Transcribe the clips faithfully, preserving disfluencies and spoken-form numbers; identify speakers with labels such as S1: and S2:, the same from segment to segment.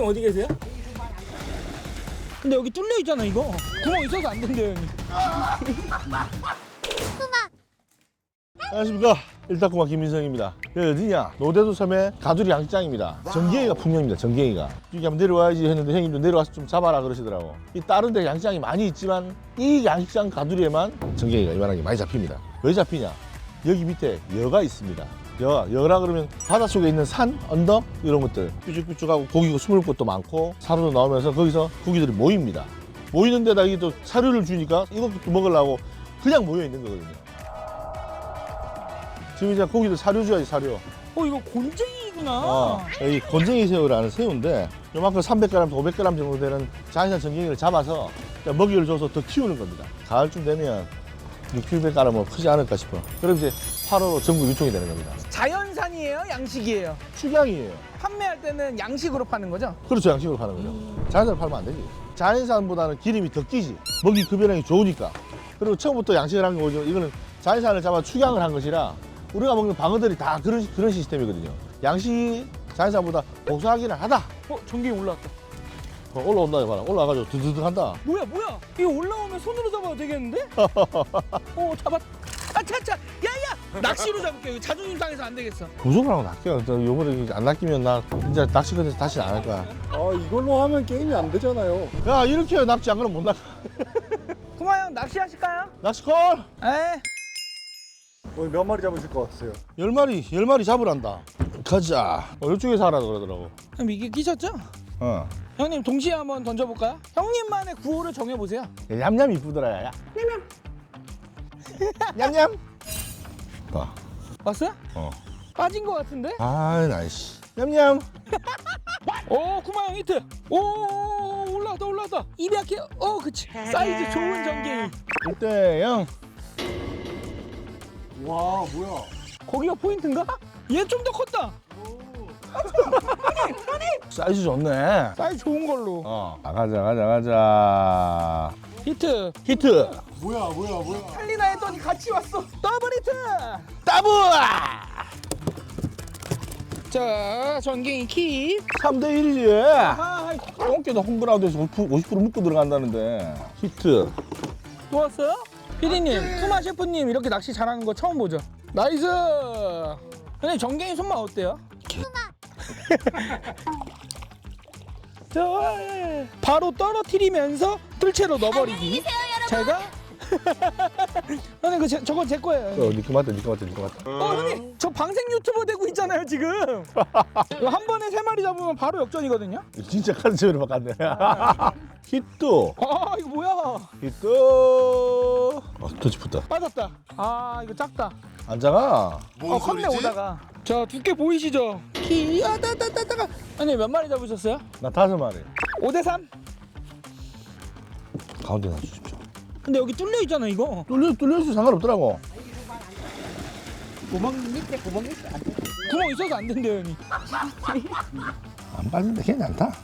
S1: 형님 어디 계세요? 근데 여기 뚫려 있잖아 이거. 구멍 있어서 안 된대요 형님.
S2: 안녕하십니까. 일타쿠마 김민성입니다. 여기 어디냐? 노대도 섬의 가두리 양식장입니다. 전갱이가 풍년입니다. 전갱이가. 여기 한번 내려와야지 했는데 형님도 내려와서 좀 잡아라 그러시더라고. 이 다른 데 양식장이 많이 있지만 이 양식장 가두리에만 전갱이가 이만하게 많이 잡힙니다. 왜 잡히냐? 여기 밑에 여가 있습니다. 여, 여라 그러면 바닷속에 있는 산, 언덕 이런 것들 삐죽삐죽하고 고기가 숨을 곳도 많고 사료도 나오면서 거기서 고기들이 모입니다. 모이는 데다 이게 또 사료를 주니까 이것도 먹으려고 그냥 모여 있는 거거든요. 지금 이제 고기들 사료 줘야지 사료.
S1: 어 이거 곤쟁이구나.
S2: 어, 이 곤쟁이 새우라는 새우인데 요만큼 삼백 그램, 오백 그램 정도 되는 자연산 전갱이를 잡아서 먹이를 줘서 더 키우는 겁니다. 가을쯤 되면 육백 그램은 크지 않을까 싶어. 그럼 이제 팔월로 전국 유통이 되는 겁니다.
S1: 자연산이에요? 양식이에요?
S2: 축양이에요.
S1: 판매할 때는 양식으로 파는 거죠?
S2: 그렇죠. 양식으로 파는 거죠. 자연산을 팔면 안 되지. 자연산보다는 기름이 더 끼지. 먹이 급여량이 좋으니까. 그리고 처음부터 양식을 한 거죠. 이거는 자연산을 잡아 축양을 한 것이라 우리가 먹는 방어들이 다 그런, 그런 시스템이거든요. 양식이 자연산보다 고소하기는 하다.
S1: 어 전갱이 올라왔다.
S2: 어, 올라온다 봐라. 올라와가지고 드드득 한다.
S1: 뭐야 뭐야? 이거 올라오면 손으로 잡아도 되겠는데? 어 잡았. 아차차. 야야. 낚시로 잡을게. 이거 자존심 상해서 안 되겠어.
S2: 무조건 하고 낚여. 저 요번에 안 낚이면 나 진짜 낚시거리에서 다시는 안 할 거야.
S3: 아 이걸로 하면 게임이 안 되잖아요.
S2: 야 이렇게 해야 낚시 안 그러면 못 낚아.
S1: 구마 형 낚시 하실까요?
S2: 낚시 콜!
S1: 에.
S3: 오늘 몇 마리 잡으실 것 같으세요?
S2: 열 마리, 열 마리 잡으란다. 가자. 어, 이쪽에서 하라 그러더라고.
S1: 그럼 이게 끼셨죠?
S2: 어.
S1: 형님 동시에 한번 던져볼까요? 형님만의 구호를 정해보세요.
S2: 야, 얌얌 이쁘더라, 야. 냠냠. 냠냠. 봐.
S1: 왔어요?
S2: 어.
S1: 빠진 것 같은데?
S2: 아, 나이씨. 냠냠.
S1: 오 구마 형 히트. 오 올라왔다 올라왔다. 입이 약해. 어 그치. 사이즈 좋은 전갱이.
S2: 일 대 영.
S3: 와 뭐야?
S1: 거기가 포인트인가? 얘 좀 더 컸다.
S2: 사이즈 좋네.
S1: 사이즈 좋은 걸로.
S2: 어. 아, 가자, 가자, 가자.
S1: 히트.
S2: 히트.
S3: 뭐야 뭐야 뭐야?
S1: 살리나 했더니 같이 왔어. 더블 히트.
S2: 따브!
S1: 자 전갱이 킵.
S2: 삼 대 일이지.
S1: 아,
S2: 똥개도 홈그라운드에서 오십 퍼센트 오십 퍼센트 묶고 들어간다는데. 히트.
S1: 또 왔어요? 피디님, 쿠마 셰프님 이렇게 낚시 잘하는 거 처음 보죠? 나이스! 근데 전갱이 손맛 어때요? 자, 바로 떨어뜨리면서 뜰채로 넣어버리기. 제가 형님 그 제, 저건 제 거예요.
S2: 어, 니꺼 맞다, 니꺼 맞다, 니꺼 맞다.
S1: 어 형님 저 방생 유튜버 되고 있잖아요 지금. 이거 한 번에 세 마리 잡으면 바로 역전이거든요.
S2: 진짜 카드체로 바꿨네. 히트.
S1: 아 이거 뭐야?
S2: 히트. 아, 더 짚었다.
S1: 빠졌다. 아 이거 작다.
S2: 안 작아.
S1: 어 컸네 오다가. 자 두께 보이시죠? 키야다다다다가. 아니 몇 마리 잡으셨어요?
S2: 나 다섯 마리.
S1: 오 대 삼.
S2: 가운데 놔주십시오.
S1: 근데 여기 뚫려 있잖아 이거.
S2: 뚫려, 뚫려서 상관없더라고.
S1: 구멍 밑에 구멍 있어. 구멍 있어서 안 된대요 형님.
S2: 안 빠진데 괜찮다.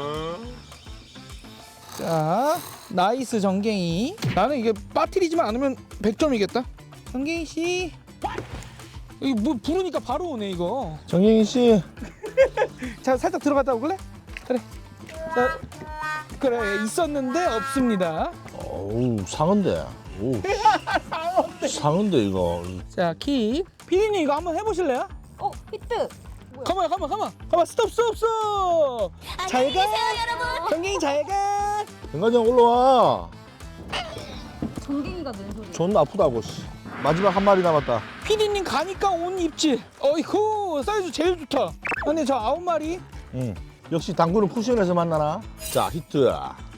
S1: 자 나이스 전갱이. 나는 이게 빠뜨리지만 않으면 백 점이겠다. 전갱이 씨. 이거 뭐 부르니까 바로 오네 이거.
S2: 정영희 씨.
S1: 자 살짝 들어갔다 오글래? 그래. 자, 그래 있었는데 없습니다.
S2: 어우, 상은데. 오. 상은데, 이거.
S1: 자 킥. 피디님 이거 한번 해보실래요?
S4: 어, 히트!
S1: 가만 가만 가만 가만 스톱 스톱 스톱. 잘 가.
S4: 여러분!
S1: 전갱이 잘 가.
S2: 정관장 올라와.
S4: 전갱이가 낸 소리.
S2: 존나 아프다고, 씨. 마지막 한 마리 남았다.
S1: 피디님 가니까 온 입질. 어이쿠 사이즈 제일 좋다. 근데 저 아홉 마리.
S2: 응. 역시 당구는 쿠션에서 만나나? 자, 히트.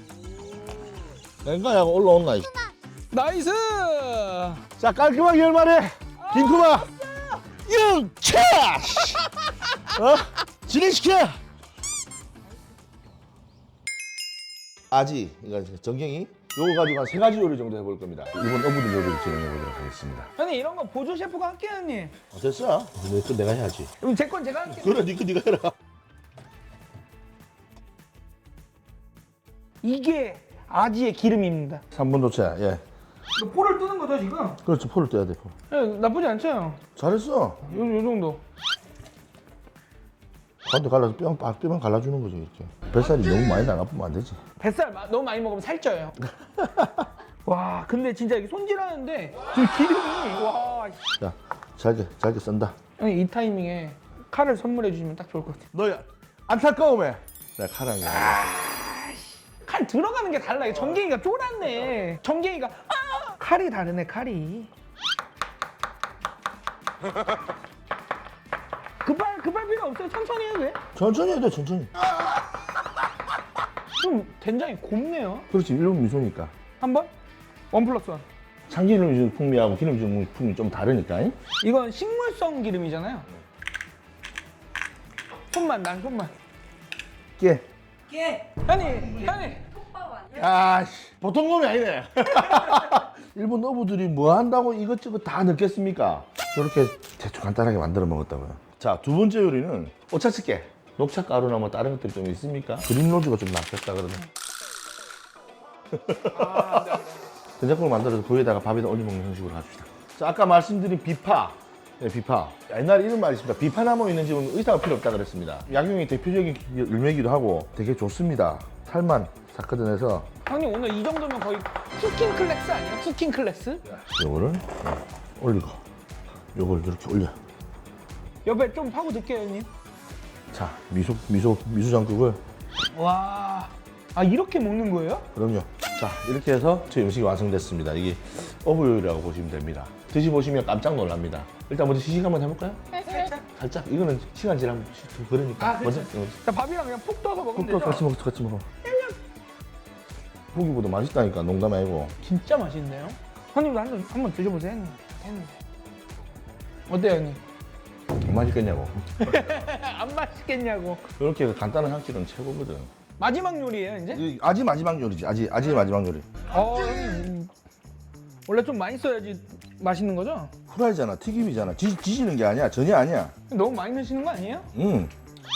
S2: 랭가야가 올라온나, 이.
S1: 나이스.
S2: 자, 깔끔하게 열 마리. 김쿠마. 영차! 어? 진행시켜! 아지, 이거 정경이. 요거 가지고 한 세 가지 요리 정도 해볼 겁니다. 이번 어부들 요리를 진행해 보도록 하겠습니다.
S1: 형님 이런 거 보조 셰프가 할게요 형님.
S2: 어, 됐어? 내거 내가 해야지.
S1: 그럼 제 건 제가 할게요.
S2: 그래, 니거 니가 해라.
S1: 이게 아지의 기름입니다.
S2: 삼 분 도체, 예.
S1: 이거 포를 뜨는 거죠 지금?
S2: 그렇죠, 포를 떼야 돼, 포.
S1: 예, 나쁘지 않죠? 요,
S2: 잘했어.
S1: 요 정도.
S2: 가운데 갈라서 뼈, 뼈만 갈라주는 거죠 이렇게. 뱃살이 너무 많이 나가면 안 되지.
S1: 뱃살 마- 너무 많이 먹으면 살쪄요. 와, 근데 진짜 이게 손질하는데 지금 기름이 와.
S2: 자, 잘게 잘게 썬다.
S1: 형님 이 타이밍에 칼을 선물해 주시면 딱 좋을 것 같아요.
S2: 너 안타까움에 내가 칼하게.
S1: 칼 들어가는 게 달라. 전갱이가 쫄았네. 전갱이가 아! 칼이 다르네 칼이. 급할 급할 필요 없어요. 천천히 해도 돼.
S2: 천천히 해도 돼 천천히.
S1: 좀 된장이 곱네요.
S2: 그렇지 일본 미소니까.
S1: 한번 원 플러스 원.
S2: 참기름 풍미하고 기름 풍미 좀 다르니까. 잉?
S1: 이건 식물성 기름이잖아요. 손만 난 손만.
S2: 깨.
S1: 깨. 아니 아니.
S2: 아씨 보통 놈이 아니네. 일본 어부들이 뭐 한다고 이것저것 다 넣겠습니까? 저렇게 대충 간단하게 만들어 먹었다고요. 자, 두 번째 요리는 오차츠케. 녹차 가루나 뭐 다른 것들이 좀 있습니까? 그린 로즈가 좀 낫겠다 그러네.
S1: 아, 네, 네.
S2: 된장국을 만들어서 거기에다가 밥에다 올려 먹는 형식으로 합시다. 자, 아까 말씀드린 비파. 네, 비파. 옛날에 이런 말이 있습니다. 비파나무 있는 집은 의사가 필요 없다 그랬습니다. 약용이 대표적인 열매기도 하고 되게 좋습니다. 살만 싹 걷어내서
S1: 형님 오늘 이 정도면 거의 쿠킹 클래스 아니야? 쿠킹 클래스?
S2: 요거를 올리고 요걸 이렇게 올려.
S1: 옆에 좀 파고 넣을게요 형님.
S2: 자, 미소 미소 미소장국을
S1: 와, 아 이렇게 먹는 거예요?
S2: 그럼요. 자, 이렇게 해서 저희 음식이 완성됐습니다. 이게 어부요리라고 보시면 됩니다. 드셔보시면 깜짝 놀랍니다. 일단 먼저 시식 한번 해볼까요?
S1: 살짝.
S2: 살짝. 이거는 시간 지나면 좀 그러니까.
S1: 아, 그렇죠.
S2: 먼저
S1: 자, 밥이랑 그냥 푹 떠서 먹으면
S2: 또
S1: 되죠?
S2: 같이 먹어, 같이 먹어. 고기보다 맛있다니까 농담 아니고.
S1: 진짜 맛있네요. 형님도 한번 한번 드셔보세요 형님. 형님. 어때요 형님?
S2: 안 맛있겠냐고.
S1: 안 맛있겠냐고.
S2: 이렇게 간단한 한 끼는 최고거든.
S1: 마지막 요리예요 이제?
S2: 이 아지 마지막 요리지. 아지 아지 마지막 요리.
S1: 어 형님 음, 원래 좀 많이 써야지 맛있는 거죠?
S2: 후라이잖아, 튀김이잖아. 지, 지지는 게 아니야, 전혀 아니야.
S1: 너무 많이 넣으시는 거 아니에요?
S2: 음.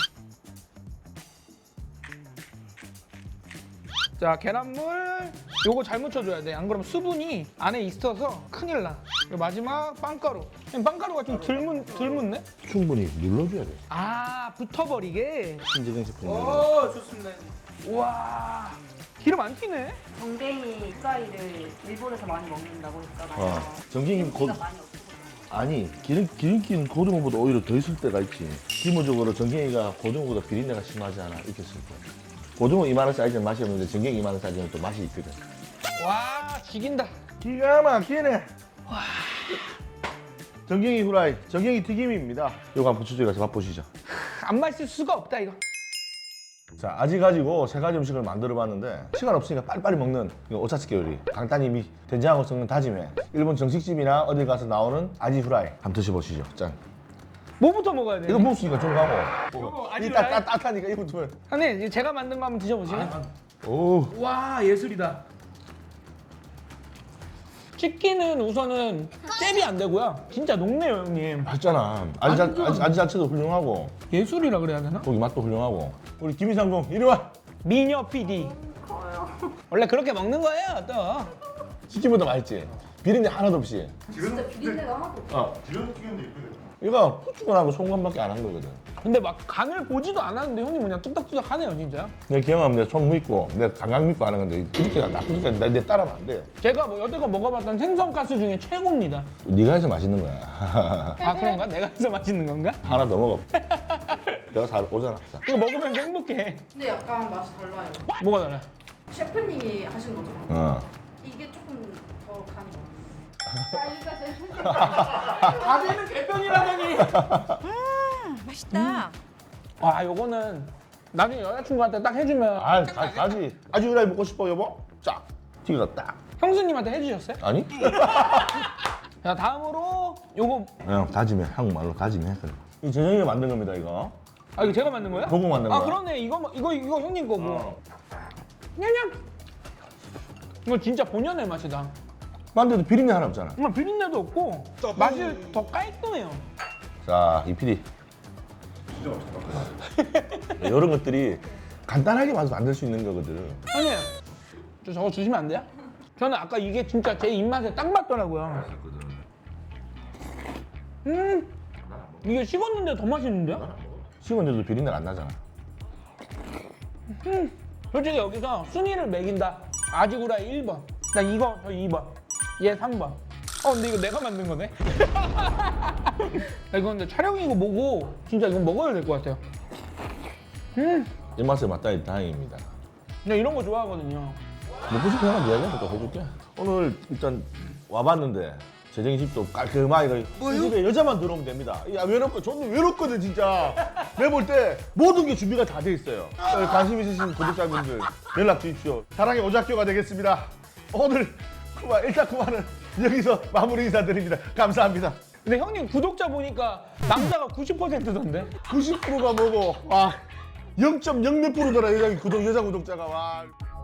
S1: 자, 계란물 요거 잘 묻혀줘야 돼. 안 그러면 수분이 안에 있어서 큰일 나. 그리고 마지막 빵가루. 형님, 빵가루가 좀 덜, 묻, 덜 묻네?
S2: 충분히 눌러줘야 돼.
S1: 아, 붙어버리게.
S2: 신재생 제품.
S1: 오, 좋습니다. 우와, 기름 안 튀네?
S4: 전갱이 프라이를 일본에서 많이 먹는다고 했잖아요.
S2: 어. 전갱이 곧
S4: 기름기가 많이 없고.
S2: 아니 기름 기름기는 고등어보다 오히려 더 있을 때가 있지. 기본적으로 전갱이가 고등어보다 비린내가 심하지 않아. 이렇게 쓸 거야. 고등어 이만한 사이즈는 맛이 없는데 전갱이 이만한 사이즈는 또 맛이 있거든.
S1: 와, 죽인다.
S2: 기가 막히네. 와. 전갱이 후라이, 전갱이 튀김입니다. 이거 한번 저쪽에 가서 맛보시죠.
S1: 안 맛있을 수가 없다 이거.
S2: 자, 아지 가지고 세 가지 음식을 만들어 봤는데 시간 없으니까 빨리빨리 먹는 이거 오차츠케 요리. 간단히 미 된장하고 섞는 다짐에 일본 정식집이나 어디 가서 나오는 아지 후라이 한번 드셔보시죠. 짠.
S1: 뭐부터 먹어야 돼?
S2: 이거 먹으니까 좀 가고.
S1: 이거 아지
S2: 이따
S1: 후라이?
S2: 따- 따뜻하니까 이거 두 번.
S1: 형님, 이거 제가 만든 거 한번 드셔보세요.
S2: 오.
S1: 와, 예술이다. 치킨은 우선은 잽이 안 되고요. 진짜 녹네요, 형님.
S2: 맛있잖아. 아지, 자, 아지, 아지 자체도 훌륭하고
S1: 예술이라 그래야 되나?
S2: 고기 맛도 훌륭하고. 우리 김희상공 이리 와.
S1: 미녀 피디. 원래 그렇게 먹는 거예요, 또.
S2: 치킨보다 맛있지. 비린내 하나도 없이.
S4: 진짜 비린내가 하나도 없어.
S2: 어. 이거 후추간하고 송간밖에 안 한 거거든.
S1: 근데 막 간을 보지도 않았는데 형님 그냥 뚝딱뚝딱 하네요, 진짜.
S2: 내 기억하면 내손 믿고 내가 강강 믿고 하는 건데 이렇게 나쁜 게 내 따라하면 안 돼.
S1: 제가 뭐 여태껏 먹어봤던 생선가스 중에 최고입니다.
S2: 네가 해서 맛있는 거야.
S1: 아, 그런가? 내가 해서 맛있는 건가?
S2: 하나 더 먹어. 내가 잘 오잖아. 자.
S1: 이거 먹으면 행복해.
S5: 근데 약간 맛이 달라요.
S1: 뭐가 달라?
S5: 셰프님이 하신 거잖아요.
S2: 어.
S5: 이게 조금 더 간이 많아요.
S1: 가재는 개병이라더니.
S4: 맛있다.
S1: 와, 요거는 나중에 여자친구한테 딱 해주면
S2: 아, 가, 가지. 아주 후라이 먹고 싶어 여보? 쫙. 튀겨 딱.
S1: 형수님한테 해주셨어요?
S2: 아니?
S1: 자, 다음으로 요거.
S2: 그냥 다짐해. 한국말로 다짐해. 그래. 이 재정이가 만든 겁니다 이거.
S1: 아, 이거 제가 만든 거예요?
S2: 보고 만든
S1: 아,
S2: 거야.
S1: 그러네. 이거 이거 이거 형님 거고.
S2: 어.
S1: 냠냠. 이거 진짜 본연의 맛이다.
S2: 만데도 비린내 하나 없잖아.
S1: 정말 비린내도 없고 맛이 더 깔끔해요.
S2: 자, 이 피디. 진짜 맛있다. 이런 것들이 간단하게 맛을 만들 수 있는 거거든.
S1: 형님, 저 저거 주시면 안 돼요? 저는 아까 이게 진짜 제 입맛에 딱 맞더라고요. 음, 이게 식었는데 더 맛있는데요?
S2: 식은데도 비린내가 안 나잖아.
S1: 음, 솔직히 여기서 순위를 매긴다. 아지구라이 일 번. 나 이거 저 이 번. 얘 삼 번. 어 근데 이거 내가 만든 거네. 야, 이건 근데 촬영이고 뭐고 진짜 이건 먹어야 될 것 같아요. 음,
S2: 입맛에 맞다니 다행입니다.
S1: 나 이런 거 좋아하거든요.
S2: 먹고 싶은 사람 이야기하면 또 해줄게. 오늘 일단 와봤는데 재정이 집도 깔끔하게 이 집에 여자만 들어오면 됩니다. 야 외롭고 저는 외롭거든 진짜. 내가 볼 때 모든 게 준비가 다 돼 있어요. 어, 관심 있으신 구독자분들 연락 주십시오. 사랑의 오작교가 되겠습니다. 오늘 그만 일단 그만은 여기서 마무리 인사드립니다. 감사합니다.
S1: 근데 형님 구독자 보니까 남자가 구십 퍼센트던데?
S2: 구십 퍼센트가 뭐고 와 영 점 영 몇 프로더라 여자 구독 여자 구독자가 와.